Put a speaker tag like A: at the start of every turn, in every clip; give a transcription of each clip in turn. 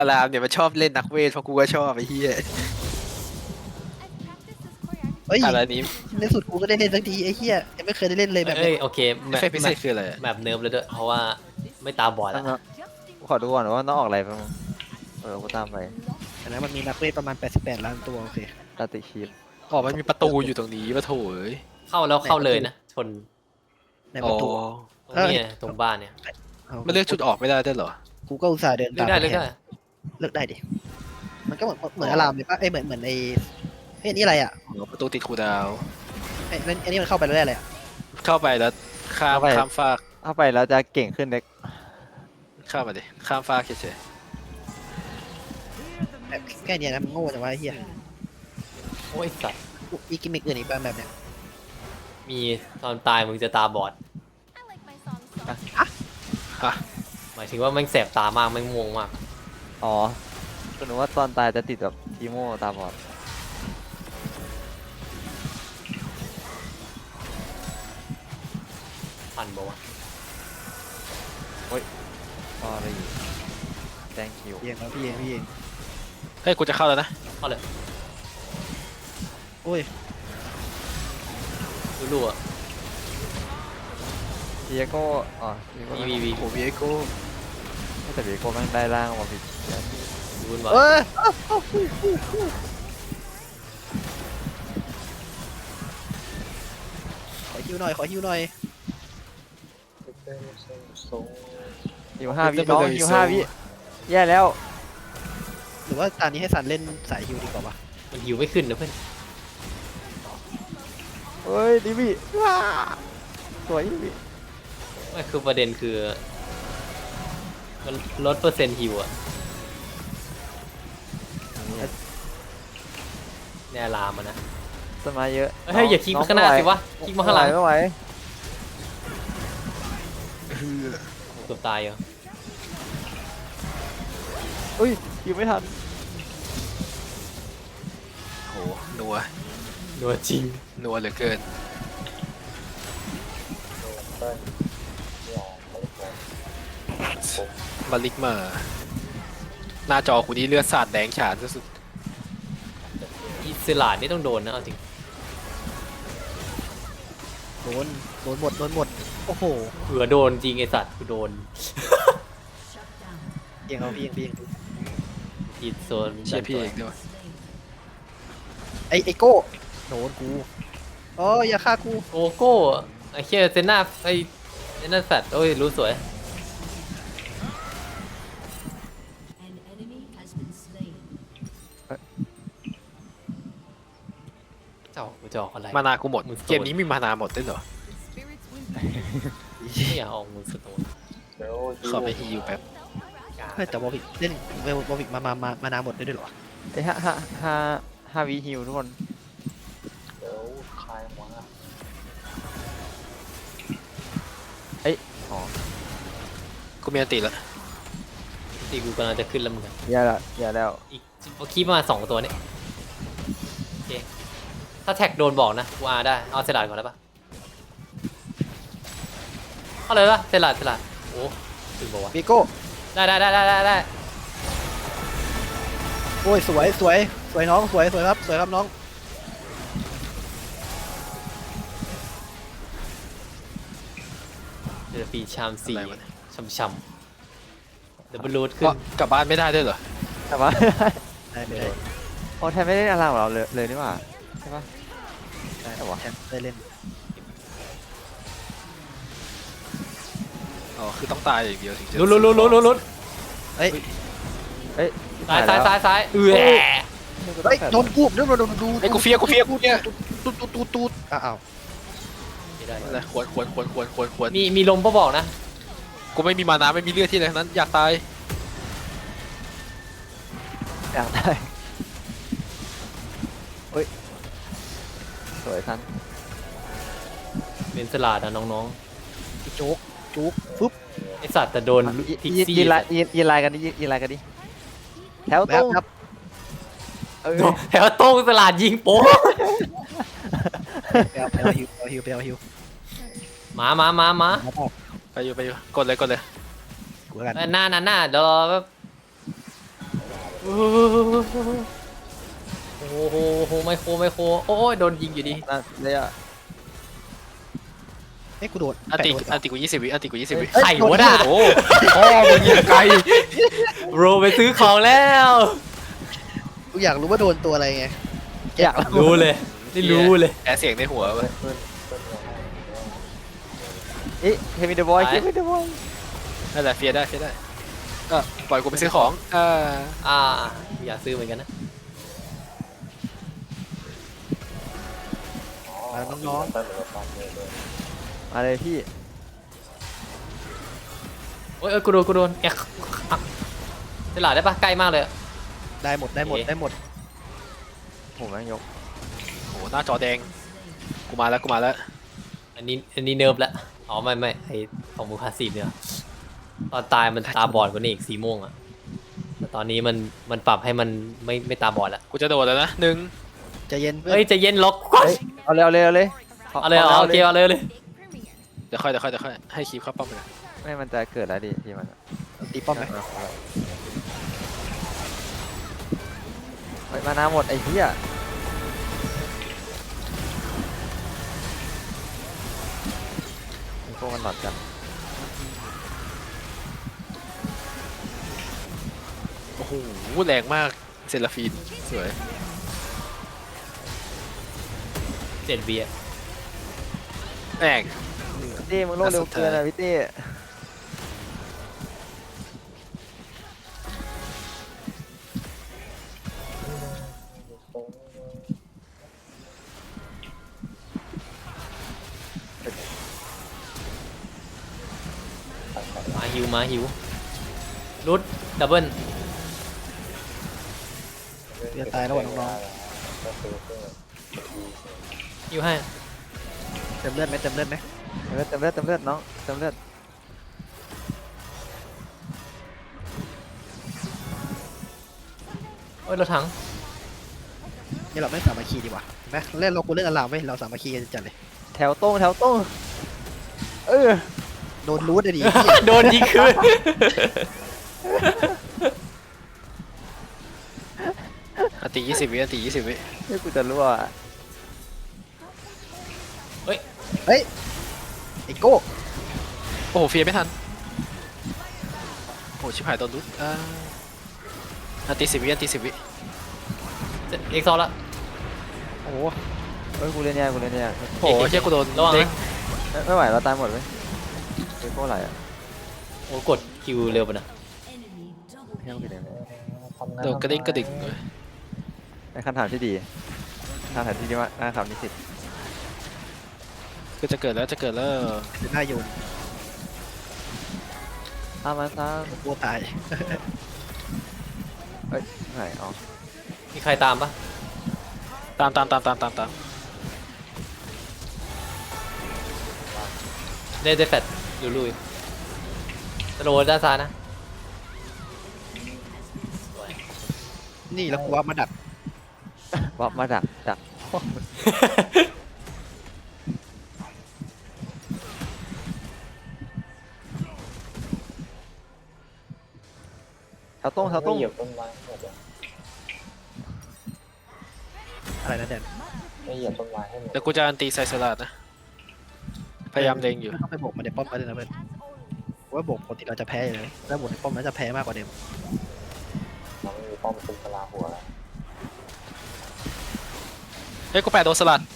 A: อารามเนี่ยมันชอบเล่นนักเวทเพราะกูก็ชอบไอ้เหี้ย
B: เฮ้ย
A: อะไรนี้
B: ในสุดกูก็ได้เล่นสักทีไอ้เหี้ยยังไม่เคยได้เล่นเลยแบบ
C: เอ้
B: นี้
C: ยโอเค
A: เอฟเฟกต์พิเศษคืออะไรอะ
C: แบบเนิร์ฟเลยด้วยเพราะว่าไม่ตาบอด
D: ต้อ
C: แล้ว
D: งขอดูก่อนว่าต้องออกอะไรบ้างกูตามไป
B: แต่นั้นมันมีนักเวทประมาณ88 ล้านตัวโอเค
D: ตาติชีพ
A: อ๋อมันมีประตูอยู่ตรงนี้ปะโถเอ้ย
C: เข้าแล้วเข้าเลยนะชน
B: ในประตู
C: ตรงนี้ตรงบ้านเนี่ย
A: มันเลือกจุดออกไม่ได้ด้วยเหรอ
B: กูก็อุตส่าห์เดิน
C: เลือ
B: ตาก ม
C: ได้เลือกได้
B: เลือกได้ดิมันก็เหมือนอารามเลยปะเหมือนไอ้เฮ้ยอันนี่อะไรอ่ะ
A: อ๋อประตูติดคูลดาวน์
B: ไอ้อันนี้มันเข้าไปแล้วได้อะไรอ่ะ
A: เข้าไปแล้วข้ามฟาก
D: เข้าไปแล้วจะเก่งขึ้นเล็ก
A: ข้ามมาดิข้ามฟากเฉย
B: แบบแค่เนี้ยนะมันโง่จังวะไอ้เหี้ย
C: โอ้ยสัตว์
B: มีกิมมิคอื่นอีกบ้างแบบเนี้ย
C: มีตอนตายมึงจะตาบอด
A: ๆฮะ
C: หมายถึงว่าแม่งแสบตามากแม่งม่วงมาก
D: อ๋อคุณนึกว่าตอนตายจะติดแบบทีโมตาบอด
C: พันบอกว่า
D: อ๋ออะไรอยู่แดงคิว
B: พี่เองครับพี่เอง
A: เฮ้ยกูจะเข้าแล้วนะ
C: เข้าเลย
B: โอ้ย
C: รู้ๆอ่ะ
D: เบียโก้อ๋อเบียโก้
C: มี
A: โอ้เวียโก้
D: แต่เบียโก้แม่งได้ร่างมาผิด
C: รู้ว่า
B: เอ้ยขอฮิวหน่อยขอฮิวหน่อย
D: อยู่5 วิน้องอยู่5 วิแย่แล้ว
B: หรือว่าตอนนี้ให้ซันเล่นสายฮิวดีกว่าวะ
C: มันหิวไม่ขึ้นนะเพื่อน
D: เฮ้ยดิวี่ว้าสวยดิวี่
C: ไม่คือประเด็นคือมันลดเปอร์เซ็นต์หิวอ่ะแน่ลามันนะ
D: สมาเยอะ
C: เฮ้ยอย่าคลิกมาข้างหน้าสิวะคลิกมาข้างหลัง
D: ไม่ไหว
C: เกือบตายเหรอ
D: อุ้ยยิงไม่ทัน
A: โหนัว
C: นัวจริง
A: นัวเหลือเกินมาลิกมาหน้าจอกูนี่เลือดสาดแดงฉานสุด
C: อิสลาดนี่ต้องโดนนะเอาจริง
B: โดนหมดโอ้โห
C: เผื่อโดนจริงไอสัตว์กูโดน
B: เองเอาพี่เอง
C: อีโซน
A: ๆเชียร์พี่เองด้วย
B: ไอโก้โดนกูอ๋ออย่าฆ่ากู
C: โกโก้ไอเคียเซน่าไอเซน่าสัตว์โอ้ยรู้สวย
E: An enemy has been slain.
C: เจ้ากูจะออกอะไร
A: มานากูหมด
C: มึงโซน
A: เกมนี้มีมานาหมดด้วยเหรอ
C: ไม่อยากออกมือสโตน
A: ขอไปฮิวแป๊บ
B: เฮ้ยแต่วอลวิกเล่นวอลวิกมานาหมดได้ด้วยเหรอ
D: ไอ้5 วิฮิวทุกคนเอ้ยอ๋อ
A: กูมีอันติแล้ว
C: ที่กูกำลังจะขึ้นแล้วมึง
D: แย่แล้ว
C: อีกคีบมา2 ตัวเนี่ยโอเคถ้าแท็กโดนบอกนะกูอาได้เอาเซลาดก่อนได้ปะเอาเลยปะเซลาดโอ้ถึงบอกว่า
B: วิโก้
C: ได้
B: โอ้ยสวยน้องสวยครับน้อง
C: เดี๋ยวปีชาม4
A: อะไรวะเนี่ย
C: ช่ำๆเดี๋ยวบอลลูดขึ้น
A: ก็กลับบ้านไม่ได้ด้วยเหรอ
D: แต่ว่า
B: ได้ไม่ได้
D: โอ้แทนไม่ได้อะไรของเราเลยนี่หว่าใช่ปะ
B: ได้
D: แต่วะ
B: แทนได้เล่น
A: อ๋อคือต้องตายอย่างเดียวถึงจะ
C: ลุ้น
B: เฮ้ย
D: เอ้ย
C: ซ้ายเออ
B: เฮ้ยโดนกูดู
A: ไอ้กูเฟียกูเนี่ย
B: ตูดอ้าว
C: ไม่ได้
A: อะไรควร
C: มีลมก็บอกนะ
A: กูไม่มีมานาไม่มีเลือดที่ไหนทั้งนั้นอยากตาย
D: อยากได้เฮ้ยสวยทัน
C: เป็นสลาดนะน้อง
B: จุกปุ๊บ
C: ๆไอสัตว์แต่โดนพิกซี่
D: ยินลายกันดิแถว
B: แบ
D: ตร
B: บ
D: ง
B: ครับ
C: โดนแถวโต้งสลาดยิงโป๊ะ
B: ไปเอาฮิว
C: มา
A: ไปอยู่กดเลย
B: กูแล้วกัน
C: หน้าเดี๋ยวรอแป๊บโอ้โหไมโครโอ้ยโดนยิงอยู่ดี
D: นั่นเลยอ่ะ
B: เอ้ยกูโดน
A: อันติ
B: แปะโดน
A: อันติกู20 วิอันติกู20 วิ
B: เอ้ย
C: ไข่วะน่ะ
A: โอ้พ่อมึงยิงไกล
C: โรไปซื้อของแล้ว
B: กูอยากรู้ว่าโดนตัวอะไรไง
D: อยาก
C: รู้เลยนี่รู้เลย
A: แอร์เสียงในหัวเว้ย
D: เอ๊ะเควินเดอะบอยเควินเดอะบอย
A: นั่นแหละเฟียร์ได้ก็ปล่อยกูไปซื้อของ
C: อยากซื้อเหมือนกันนะ
B: มาน้อง
D: มาเลยพี่
C: โอ้ยกูโดนแอกตลาดได้ปะใกล้มากเลย
B: ๆได้หมดได้หมดได้หมด
D: ผมแม่งยก
A: โอ้หน้าจอแดงกูมาแล้ว
C: อันนี้เนิร์ฟแล้วอ๋อไม่ไอของมูคาซีเนี่ยตอนตายมันตาบอดกว่านี้อีกสีม่วงอะแต่ตอนนี้มันปรับให้มันไม่ตาบอดแล้ว
A: กูจะโดดแล้วนะหนึ่ง
B: ใจเย็นเพื่อน
C: เฮ้ยใจะเย็นล็อก
D: เฮ้ยเอาเลยเอาเลยเอาเลย
C: เอาเลยโอเคเอาเลย
A: เดี๋ยวค่อยให้คีบเข้าป้อมไปนะ
D: ไม่มันจะเกิดอะไรดิที่มัน
B: ตีป้อมไหม
D: เฮ้ยมานาหมดไอ้เหี้ยพวกมันหลอดกัน
A: โอ้โหแรงมากเซราฟีนสวย
C: 7 วิอะ
A: แรง
D: พี่เต้มึงโลดเร็วเกินอะพี่เต้
C: มาฮิวรุดดับเบิล
B: จะตายแล้วว่ะน้อง
C: ฮิวให้
B: ๆเต็มเลือดไหมเต็มเลือดไหม
D: เต็มเลือดน้องเต็มเลือด
C: โอ้ยรถถัง
B: นี่เราไม่สามัคคีดีกว่าเห็นไหมเล่นเรากูเล่นอลามเว้ยเราสามัคคีกันจัดเลย
D: แถวตรงเออ
B: โดนรูทเลยดิเหี้ย
C: โดนยิงคืน
A: อันติ20 วิอันติ20 วิ
D: ให้กูจะรั่วอะ
B: เฮ้ยไอ้โก้
A: โอ้โหเฟียร์ไม่ทันโอ้ชิบหายโดนรุดอันติ10 วิอันติ10 วิ
C: เอ็กซ์ซอลละ
B: โอ้โห
D: เฮ้ยกูเล่นยาก
A: โอ้โหเชี่ยกูโดน
C: ระวัง
A: เด้ง
C: นะ
D: ไม่ไหวเราตายหมดเว้ยเฮ้ยโคตรไหลอ่ะ
C: โอ้กดคิวเร็วไปนะ
E: Enemy double
D: แค่
E: kill.
D: ไม่กี่เดือน
A: โดนกระเด้งกระดิ่งเลย
D: เป็นคำถามที่ดีคำถามที่ดีมากนะครับนิสิต
A: คือจะเกิดแล้ว
B: เป็นหน้าโยน
D: ตามมาตาม
B: กลัวตาย
D: เฮ้ยไหนอ๋อ
C: มีใครตามปะ
A: ตาม
C: ได้แฟดลุยสโลว์ด้านซ้ายนะ
B: นี่แล้วกูว่ามาดัก
D: วับมาดักแถวตรง
B: อะไรนะแดน
A: แต่กูจะอันตีไซสลัดนะ พยายามเล็งอยู่
B: ไม่ต้องไปโบกมาในป้อมมาเลยนะเพื่อนว่าโบกปกติเราจะแพ้อยู่เลยแล้วโบกในป้อมนั้นจะแพ้มากกว่าเดิม
A: เฮ้ยกูแปะโดนสลัด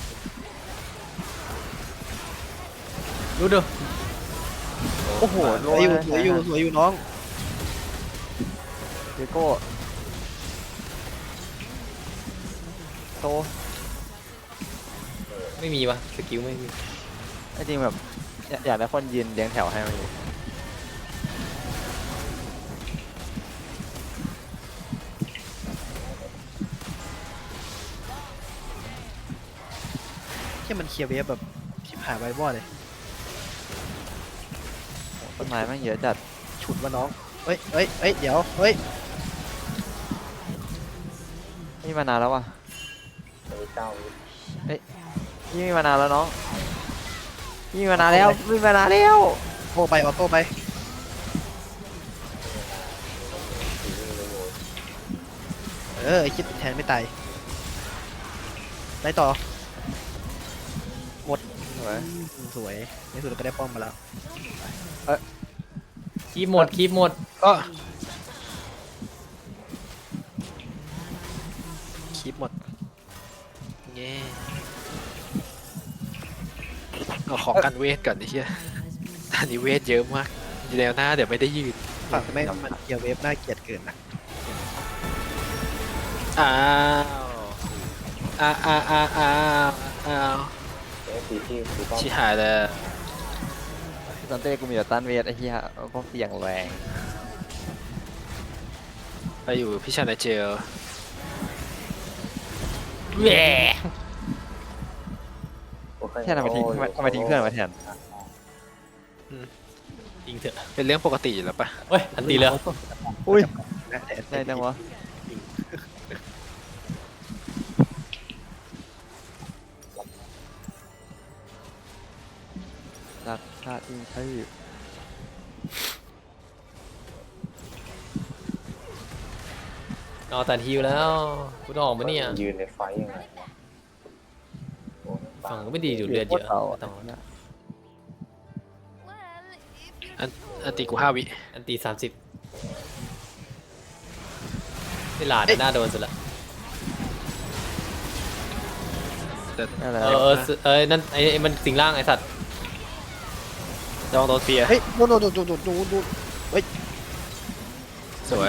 C: รู้ดู
D: โอ้โห
B: สวยอยู่น้อง
D: เดโก้โต
C: ไม่มีปะสกิลไม่มี
D: จริงแบบอยากได้คนยืนเลี้ยงแถวให้มันอยู่
B: แค่มันเคลียร์เวฟแบบชิบหายไวบอดเลย
D: ต้นไม้แม่งเยอะจัด
B: ฉุดว่าน้องเฮ้ยเดี๋ยวเฮ้ย
D: นี่มานานแล้วว่ะเฮ้ยพี่มีมานานแล้วน้องพี่มีมานานแล้วมีมานานแล้ว
B: โต้ไปออโต้ไปไอ้คิดแทนไม่ตายได้ต่อ
D: สวย
B: สวยในสุดเราก็ได้ป้อมมาแล้ว
C: คีบหมดคีบหมด
A: ก็คลิปหมดเงี้เอาของกันเวทก่อนดิเฮียอันนี้เวทเยอะมากอยู่แล้วหน้าเดี๋ยวไม่ได้ยืน
B: ฝั่งไม่มันเกียร์เวฟน่าเกลียดเกินนะ
A: อ้าวอ้าวชิหายแล้ว
D: ตอนเต้กูมีแต่ตันเวทไอ้เหี้ยก็เสี่ยงแรง
A: ไปอยู่พี่ชายในเจล
C: แหว
D: แค่ทำไมทิ้งเพื่อนมาแทน
C: จริงเถอะ
A: เป็นเรื่องปกติอยู่แล้วปะ
C: เฮ้ยอันตีเลย
D: อุ้ย
B: นะแต่
D: ได้จังวะรักชาติใช่
C: เอาแต่ฮิวแล้วกูต้องออกมาเนี่ย
F: ยืนในไฟยังไงวะโอ้ย
C: ฝั่งก็ไม่ดีอยู่เลือดเยอะไม่ต้อง
A: อันตีกู5 วิ
C: อันตี30นี่หลาดหน้าโดนสุดละ
D: นั่นแหละ
C: นั่นไอ้มันสิงร่างไอ้สัตว์
A: ลองโดนเฟียร์
B: เฮ้ยโดนเฮ้ย
A: สวย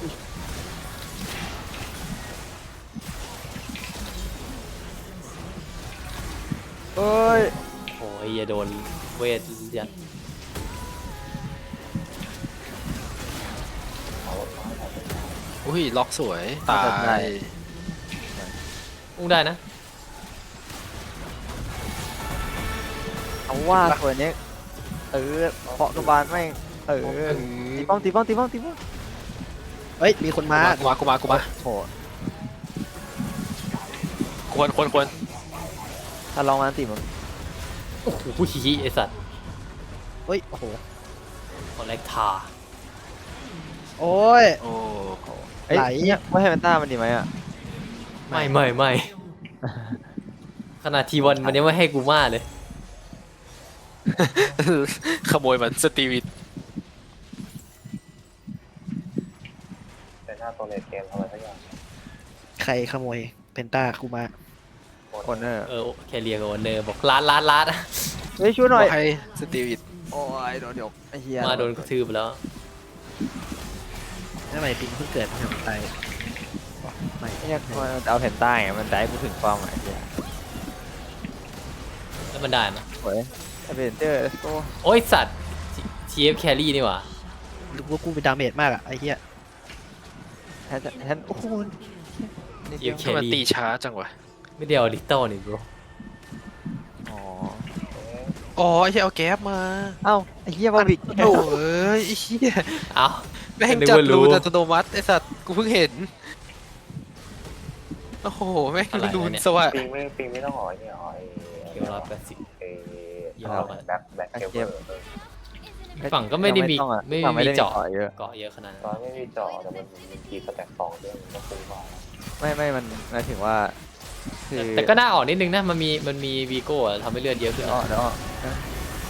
D: เอ้ย
C: โอ้ยอย่าโดนเวทยัด
A: อุ้ยล็อกสวยตาย
C: อุ้งได้นะ
D: เอาว่าตัวนี้เคาะกระบาลแม่งตีป้อม
B: เฮ้ยมีคนมา
A: กูมา
D: โห
A: ควร
D: ถ้าลองมาตีมึง
C: โอ้โหไอ้สัตว์
B: เฮ้ยโอ้โห
C: คอลเลกทา
B: โอ้ย
A: โอ้
D: เอ้ย
B: ไหล
D: เนี่ยไม่ให้มันต้ามันดีไหมอ่ะ
C: ไม่ขนาดทีวันมันยังไม่ให้กูมาเลย
A: ขโมยมันสตีวิท
F: แต่หน้าตัวในเกมทำอะไรสักอย่าง
B: ใครขโมยเพนต้ากูมา
D: คนเนอร์
C: แคเรียกับวันเนอร์บอกลาด
D: เฮ้ยช่วยหน่อย
A: ให้สตีวิท
D: โอ้ยโดนยกไอ้เหี้ย
C: มาโดนกระทืบไปแล้ว
B: ทำไมปิงเพิ่งเกิดมันทำตายไม่
D: เนี่ยมันเอาแผ่นใต้ไงมันได้กูถึงความหมายเหี้ย
C: แล้วมันได้ไหม
D: โอ้ยอเวนเจอร์ let's go
C: โอ้ยสัตว์ TF แครี่นี่หว่า
B: รู้ว่ากูเป็นดาเมจมากอะไอ้เหี้ย
D: แทนโอ้โหนิดเดียว
C: TF แค
A: ทำไมมันตี
C: รี่
A: ช้าจังวะ
C: ไม่ได้เอาลิตเติ้ลนี่ bro
D: อ๋อ
A: อ๋อไอ้เหี้ยเอาแก๊บมา
D: เอ้าไอ้เหี้ยบาบิก
A: โอ้เอ้ยไอ้เหี้ย
C: เอ้า
A: แม่ง
C: นึก
A: จับ
C: ว่ารู้
A: รูนอัตโนมัติไอ้สัตว์กูเพิ่งเห็นโอ้โหแม่ง
C: อะไรวะ
A: รูน
C: เนี่ย
A: สวัสด
F: ปิงไม่ต้องหอยเนี่ยหอย
C: เกี่ยวรับ80
F: ไอ้
C: ยอมอะ
F: แบ็คเคเบิล
C: ฝั่งก็ไม่ได้มี
D: ต้องอะ
C: ไม่
D: ฝั่ง
C: มีเจาะ
D: เยอะ
C: เกาะเยอะขนาดนั้น
F: ตอนไม่มีจอแต่มันมีกีสแต็ก2ด้วยมันก็คุ้มกว่า
D: ไม่มันหมายถึงว่าคือ
C: แต่ก็น่าออกนิดนึงนะมันมีวีโก้อะทำให้เลือดเยอะขึ้น
D: เดี๋ยว
C: นะ
D: เดี๋ยว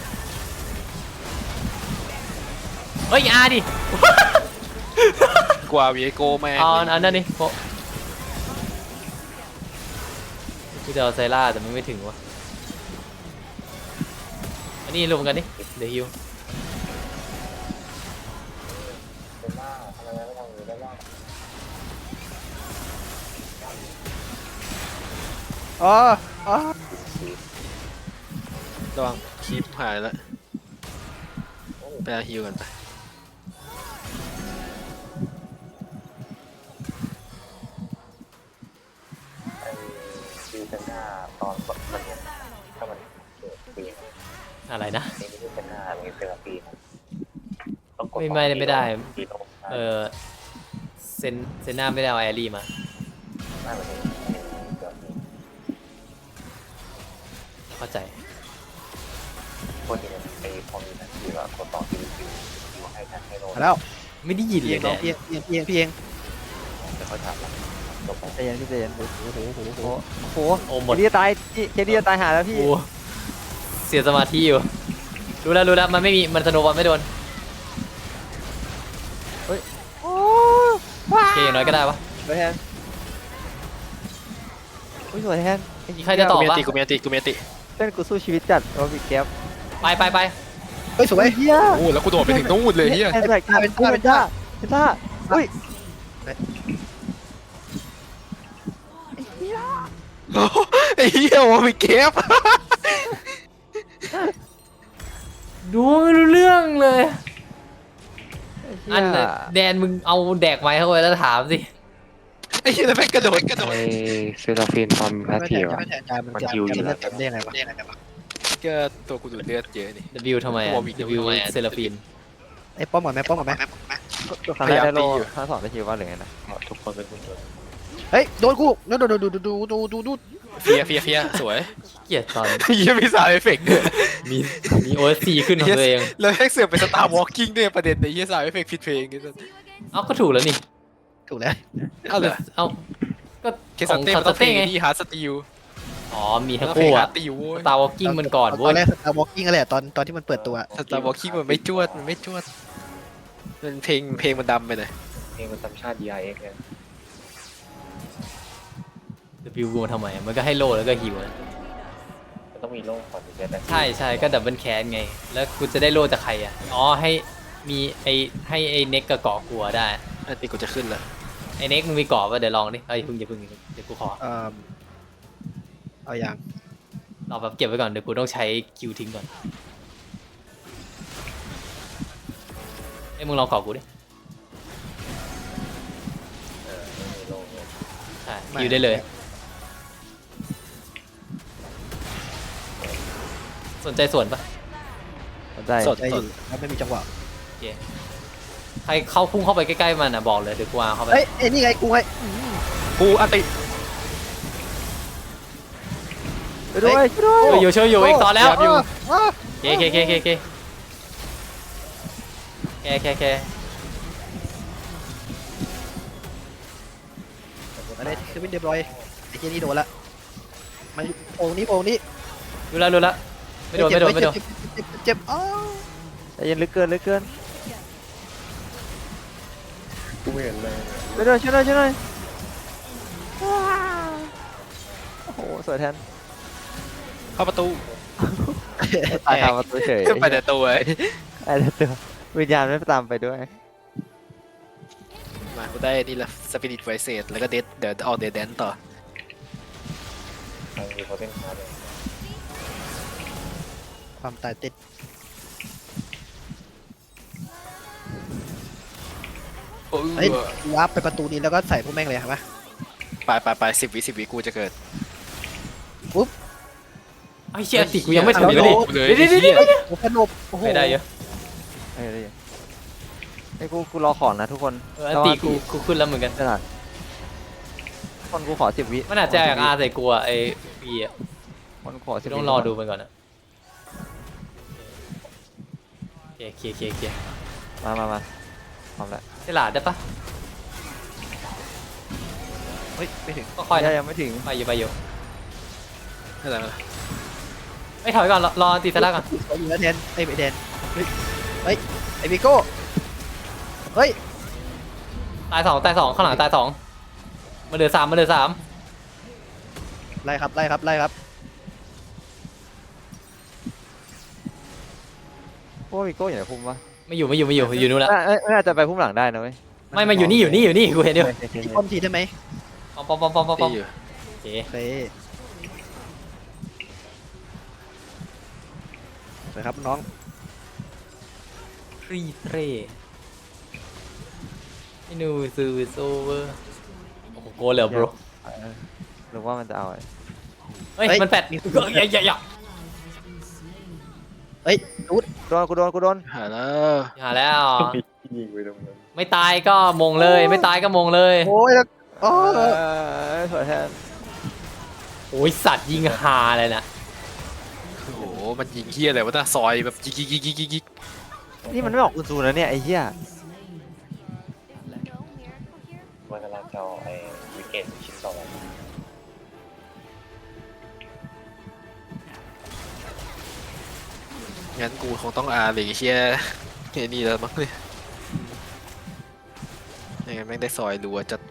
C: เฮ้ยอาดิ
A: กว่าวีโก้แม่ง
C: เอาอันนั้นนี่โปะกูจะเอาไซล่าแต่มันไม่ถึงวะอันนี้รวมกันดิเดี๋ยวฮิว
F: เป็นหน้าทำไมไม่ทำอย่างนี้ได้บ้าง
B: อ๋ออ๋อ
A: ระวังคลิปหายแล้วไปเอาฮิวกันไป
F: ไอ้ซีเป็นหน้าตอนมันเนี่ยถ้ามันเกิดปีน
C: อะไรนะ
F: นี่ไม่ใช่เป็นหน้ามันเป็นปีนต้องกด
C: ไม่ได้
F: ปีนลง
C: เซนหน้าไม่ได้เอาแอรี่มา
F: หน้าแบบนี้เกิดปี
C: เข้าใจ
F: คนที่ไอ้พอมีนะคือว่ากดต่อคิวให้ทันให้โดน
B: มาแล้ว
C: ไม่ได้ยิน
B: พี่
C: เล
B: เอย งน้อง
C: เนี่ย
B: พี่เอง
F: แต่เขาถามว่าจบไป
D: ใจเย็นพี่ใจเย็นโอ้โหโอ้โหโอ้โห
C: โอ้หม
D: เค
C: ด
D: ดีจะตายพี่เคดีจะตายหาแล้วพี่
C: โอ้เสียสมาธิอยู่รู้แล้วมันไม่มีมันสโนว์บอลไม่โดน
D: โอ้
C: โอเคอย่างน้อยก็ได้วะ
D: สวยแทนอุ้ยสวยแทน
C: มีใครจะตอบ
A: กูมีอั
C: ปะ
A: นติกูมีอันติกูมีอันติ
D: เต้นกูสู้ชีวิตจัดโอ้บิ๊กแก๊ป
C: ไป
B: เฮ้ยสวย
D: เฮีย
A: โอ้แล้วกูโดดไปถึงนู่นเลยเฮีย
D: แอนแบกท่าเป็นท่าอุ้ย
A: ไอ้เฮียว่ามีเก็บ
C: ดูไม่รู้เรื่องเลย
D: อั
C: อันน่ะแดนมึงเอาแดกไม้เข้าไปแล้วถามสิ
A: ไอ้เฮียแล้วแม่งกระโดด
F: ไอเซราฟินตอนแพท
B: ไม่
F: ที
B: แทน
F: วอะ
B: ไม่แทนจานมัน
F: มัน
B: จะ
F: คิวอยู่
B: เลือดเต็มได้ยังไงวะ
A: ก็ตัวกูดูดเลือดเยอะนี่
C: W ทำไมอะ W เซราฟิน
B: ไอ้ป้อมก่อนไหมป้อมก่อนไหม
D: ตัวครั้งแรกได้โล
A: พยายามตีอยู่
D: ครั้งสองได้คิวว่าหรือไงนะ
F: ทุกคนเป็นคุณชน
B: เฮ้ยโดนกูโดนดู
A: เฟียสวย
C: เกลียดตอน
A: เฮียมีสาวเอฟเฟกต์ด้วย
C: มี OSC ขึ้นของตัวเอง
A: แล้วแม่งเสือกเป็นสตาร์วอล์กิ้งด้วยประเด็นในเฮียสาวเอฟเฟกต์ผิดเพลงนี่
C: เอ้าก็ถูกแล้วนี่
B: ถูกแล้ว
A: เอาเลย
C: เอ้าก็
A: เคสเต้
C: ข
A: มั
C: อน ง
A: ต้องเพล
C: เต้
A: ง
C: ไง
A: ที่ฮาร์ดสตีล
C: อ๋อมีทั้ง
A: เพลง
C: คู่
A: ฮา
C: อะ
A: ร์ดตีลโว้ย
C: Star Walking มันก่อน
B: ต
C: เว้
B: อน
C: ย
B: แรกสตาร์วอล์กิ้งอะไรตอนที่มันเปิดตัว
A: สตาร์วอล์กิ้งมันไม่จวดมันเพลงมันดำไปหน่อย
F: เพลงมันตามชาติ DRX เนี่ย
C: W กูมาทำไมมันก็ให้โลแล้วก็ฮิวนะ
F: มันต้องมีโล่ก่อนถึงจะได้
C: ใช่ก็ดับเบิลแคนไง แล้วกูจะได้โลจากใครอ่ะอ๋อให้มีให้ไอ้เน็กกับเกาะกลัวได้
A: อันนี้กูจะขึ้นแล้ว
C: ไอ้เน็กมึงมีเกาะป่ะเดี๋ยวลองดิเอ้ยอย่าเพิ่งเดี๋ยวกูขอ
B: เอาอย่าง
C: รอแบบเก็บไว้ก่อนเดี๋ยวกูต้องใช้คิวทิ้งก่อนเอ้ยมึงลองเกาะกูดิ
F: ไม่มีโล่เลย
C: ใช่คิวได้เลย สนใจส่วนปะ
D: สนใจ
A: สด
B: ได้อยู่แล้วไม่มีจังหวะ
C: โอเคใครเข้าพุ่งเข้าไปใกล้ๆมันอ่ะบอกเลยเดี๋ยวกูเอาเข้าไป
B: เฮ้ยนี่ไงกูไง
A: กูอันติ
D: ช่วยด้วยช่วยด้วย
C: ช่วยอยู่อีกตอนแล้ว
A: อยู่
C: เค
B: อะไรคือวินเดบรอยไอ้เจนี่โดนละมันโอ่งนี้
C: รู้แล้วไม่โดน
B: เจ็บอ๋อ
D: ใจเย็นเหลือเกิน
F: กูไม่เห็นเลย
D: ช่วยด้วยโอ้โหสวยแทน
A: เข้าประตู
D: ตายตามประตูเฉย
A: ไปแต่ตัว
D: ไอ้ตัววิญญาณไม่ตามไปด้วย
A: มากูได้นี่ละสปิริตไวเซตแล้วก็เดี๋ยวเอาเดดแดนต่อ
F: มันมีโพเทนคาร์ดเลย
B: ความตายติด
A: โอ้ย
B: เฮ้ยกูวาร์ปไปประตูนี้แล้วก็ใส่พวกแม่งเลยครับ
A: ไป10 วิกูจะเกิด
C: ไอ้เชี่ยติกูยังไม่ถึง
A: เอา
C: เลย
A: เลย
C: เดี๋ยว
B: โอ้พนบโอ้โห
C: ไม่ได้เยอะ
D: ไอ้กูรอของนะทุกคน
C: อันตีกูขึ้นแล้วเหมือนกัน
D: ขนาดคนกูขอ10 วิ
C: มันอาจจะอยากอาใส่กูอะไอ้ปีอะ
D: คนขอ10 วิ
C: ต้องรอดูมันก่อนนะเคลียร์
D: มาพร้อมแล้ว
C: เซลาดได้ปะ
B: เฮ้ยไม่ถึง
C: ก็ค่อยนะ
D: ยังไม่ถึง
C: ไปอยู่
A: นั่นแหละ
C: ไม่ถอยก่อนรอตีเซล่าก่อน
B: สวยอยู่แล้วแทนไอ้แดนเฮ้ยไอ้บิโก้เฮ้ย
C: ตายสองข้างหลังตาย2มาเหลือ3
B: ไล่ครับ
D: พวกวิโก้อยู่ในพุ่มปะ
C: ไม่อยู่นู่นละ
D: ไม่น่าจะไปพุ่มหลังได้นะเว้ย
C: ไม่มาอยู่นี่กูเห็นอยู่
B: ที่ป้อมทีได้ไหม
C: ปอม
A: ตีอยู่
C: โอเค
B: โอเคสวยครับน้อง
C: ทรีเทรไอ้หนูซูโซเวอร์โอ้โหโกเลย bro
D: หรือว่ามันจะเอา
C: เฮ้ยมันแปดอย่า
B: เฮ้ยรูด
D: กูโดน
A: หาแล้ว
C: หาแล้ว
F: ยิงไปตรงนั้น
C: ไม่ตายก็มงเลยไม่ตายก็มงเลย
B: โอ้ยแล้วอ๋อ
D: สวยแทน
C: โอ้ยสัตว์ยิงฮาเลยนะ
A: โอ้โหมันยิงเฮียอะไรวะน่ะซอยแบบยิก
D: นี่มันไม่ออกอุนซูนะเนี่ยไอ้เหี้ย
F: มันกำลังเจ้าไอ้วิกเกตชิ้นต่อไป
A: งั้นกูคงต้องอาหรือเชียไอ้นี่แล้วมั้งเนี่ยไม่งั้นแม่งได้ซอยรัวจัด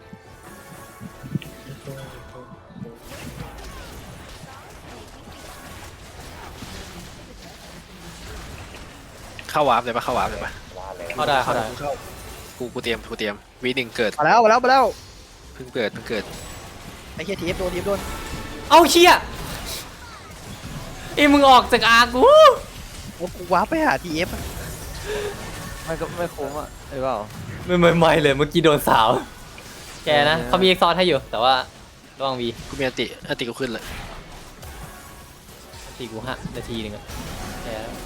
A: เข้าวาร์ปเลยปะเข้าวาร์ปเลยปะ
F: ว่าเลย
C: เข้าได้เข้าได้
A: กูเตรียมวีหนึ่งเกิด
B: มาแล้วมาแล้วมาแล้ว
A: เพิ่งเกิด
B: ไอ้เหี้ยทีเอฟโดนทีเอฟโดน
C: เอาเชี่ยไอ้มึงออกจากอากู
B: โอ้กูว้าร์ปไปหาทีเอฟ
D: ไม่ก็ไม่คุ้มอ่ะหรือเปล่า
C: ไม่เลยเมื่อกี้โดนสาว แกนะเขามีเอ็กซอร์ให้อยู่แต่ว่าระวังวี
A: กูมีอันติกูขึ้นเลย
C: ตีกู5 นาทีนึงอะแกนะ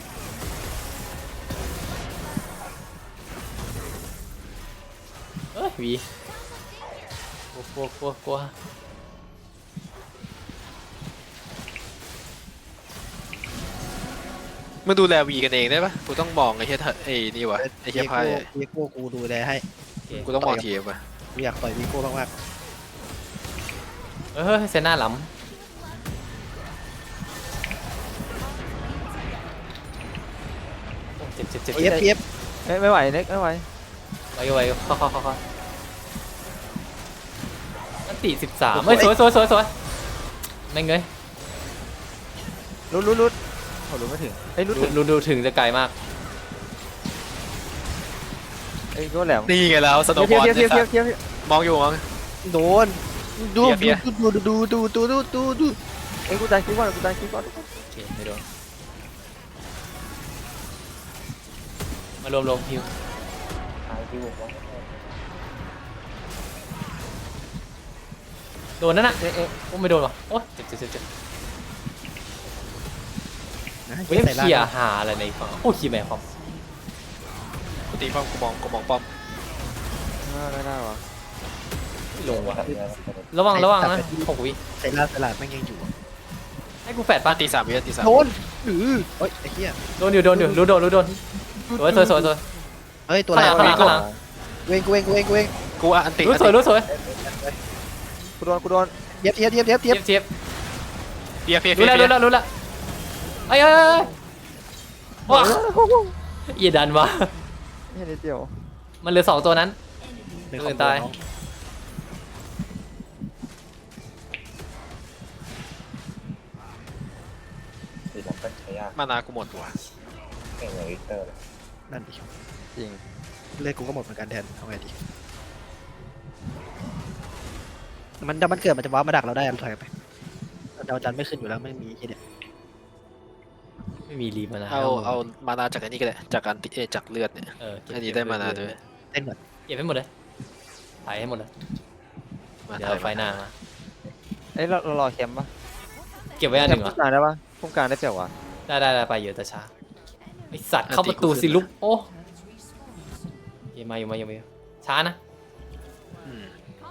C: เอ้ยวีกลัว
A: มึงดูแลวีกันเองได้ปะกูต้องมองไอ้เหี้ยไอ้นี่วะไอ้เหี้ยพาย
B: วีโก้กูดูแลให้
A: กูต้องมองทีมวะ
B: กูอยากต่อยวีโก้มาก
C: เฮ้ยเซน่าหล้ำโอ้เจ็บ
B: ๆทีเอฟทีเอฟ
D: ไม่ไหวเน็กไม่ไหว
C: ไวเข้าอันตี13เฮ้ยสวยแม่งเงย
D: รุดโอ้รุดไม่ถึงเอ้ยรุดถึง
C: ดูถึงจะไกลมาก
D: เอ้ยก็แหลม
A: นี่ไงแล้วสโนว์บอล
D: เทียบ
A: มองอยู่มอง
B: โดนดู
A: เฟี้ย
B: ดู
D: เอ้ยกูตายคิดก่อน
C: โอเคไม่โดนมารวมฮิว
F: ทางที่วงว่า
C: โดนนั่นน่ะโอ้ไม่โดนว่ะโอ้เจ็บ
B: นะ
C: เฮ้ย
B: ใส่ล่าง
C: เขี่ยหาอะไรในฝั่งโอ้ขี่แม่ความ
A: กูตีป้อมกูมองป้อม
D: ได้วะ
C: ไม่ลงว่ะ
F: แบบนี้
C: ระวังนะ6 วิ
B: ใส่ล่างตลาดแม่งยังอยู่
C: ให้กูแฟด
A: ป้า
C: ปะ
A: ตี3 วิตี 3
B: โดนเฮ้ยไอ้เหี้ย
C: โดนอยู่รู้โดนสวย
B: เฮ้ยตัวอะไร
C: ข้างหลัง
B: เวง
A: กูอันติ
C: รู้สวย
D: กูโดน
B: เทียบ
C: เทียบ
A: เฟีย
C: รู้แล้วเอ้ยว้าอย่าดันวะ
D: แค่นิดเดียว
C: มันเหลือ2 ตัวนั้น ตื่นตาย
F: สีน้ำเป็นใช้ยาก
A: มานากูหมดว่ะ
F: เก่งอย่างวิกเตอร์เลย
B: นั่นดิ
D: จริง
B: เลือดกูก็หมดเหมือนกันแทนเอาไงดีมันเกิดมันจะว้ามาดักเราได้ถอยไปดาวจันทร์ไม่ขึ้นอยู่แล้วไม่มีที่เนี่ย
C: ไม่มีรีมานะ
A: เอามานาจากอันนี้ก็ได้จากอันติจากเลือดเนี่ย อันนี้ได้มานาด้วย
B: เต้นเหมือน
C: เก็บให้หมดเลยถ่ายให้หมดเลย
A: มา
C: เดี๋ยว
A: ถ่าย
C: ไฟหน้ามา
D: เอ้ยเรารอแคมป์ปะ
C: เก็บไว้อันหนึ่งเหร
D: พุ่
C: อ
D: มกลางได้ปะพุ่มกลางได้เปล่าวะ
C: ได้ไปเยอะแต่ช้าไอสัตว์เข้าประตูสิลุกโอ้ยมาอยู่ช้านะ
A: อืม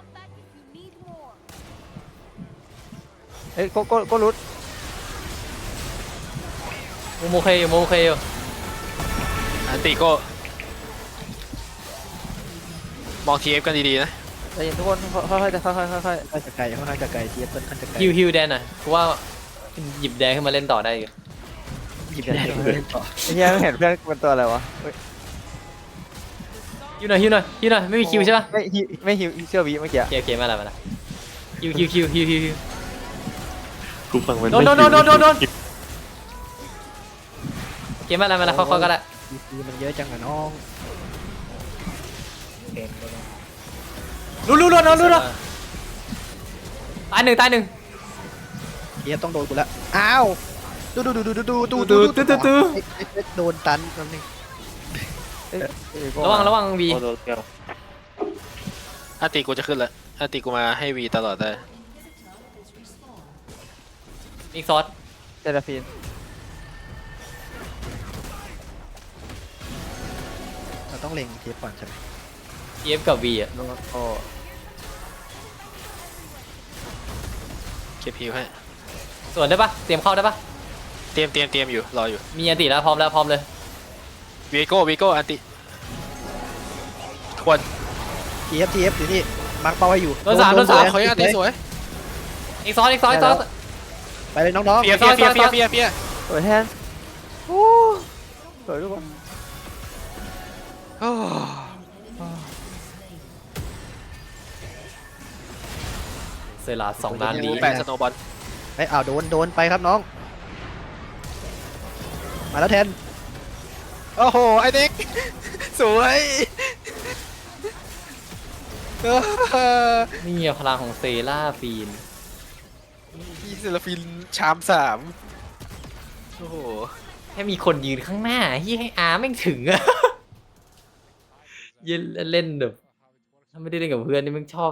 D: เอ้ยก็รุด
C: โมเคอยู่
A: อันติก็มองทีเอฟกันดีๆนะ
D: ใจเย็นทุกคนค่อยๆค่อย
B: ค่อนข้างจะไกลค่อนข้างจะไกลเทียบค่อนข้างจะไกล
C: ฮิวแดนหน่อยเพราะว่าหยิบแดงขึ้นมาเล่นต่อได้อยู่
B: หยิบได้เลยต่อ
D: ไอ้เหี้ยไม่เห็นเพื่อนเป็นตัวอะไรวะ
C: ฮิวหน่อยไม่มีคิวใช่ปะ
D: ไม่ฮิวเชื่อวีเมื่อกี้
C: โอเคมาละฮิว
G: กูฟังมัน
C: โดนโอเคมาละเข้าก็ได้
B: คือมันเยอะจังอะน้อง
F: เก่งเลยนะ
C: รู้ตายหนึ่ง
B: เทียบต้องโดนกูละอ้าวดูโดนตันแป๊บนึง
C: ระวังวี
F: โอ้โหเกี่ยว
A: อันติกูจะขึ้นละอันติกูมาให้วีตลอดได้
C: อีกซอส
D: เซราฟีน
B: เราต้องเล็งเทียบก่อนใช่ไหม
C: เอฟกับวีอ่ะ
D: แล้วก็
A: เก็บฮิวให้
C: ส่วนได้ปะเตรียมเข้าได้ปะ
A: เตรียมอยู่รออยู่
C: มีอันติแล้วพร้อมเลย
A: วีโก้อันติควร
B: ทีเอฟอยู่นี่มาร์คเป้าให้อยู่
C: โดนสามโดนสาม
A: เขาอันนี้สวย
C: อีกซ้อนอีกซ้อนอีกซ้อน
B: ไปเลยน้อง
A: เปียเปียเปียเปียเปียเปีย
D: สวยแทนโอ้สวยทุกคน
A: โอ้
C: เซราสองล้านนี้
A: แปดสโนบอล
B: ๆไอ้ยอ้าวโดนไปครับน้อง มาแล้วแทน
A: โอ้โหไอเด็กสวยเออ
C: นี่พลังของเซราฟีน
A: พี่เซลฟินชาม3โอ้โห
C: แค่มีคนยืนข้างหน้าที่ให้อาแม่งถึงอะ ยืนเล่นแบบถ้าไม่ได้เล่นกับเพื่อนนี่แม่งชอบ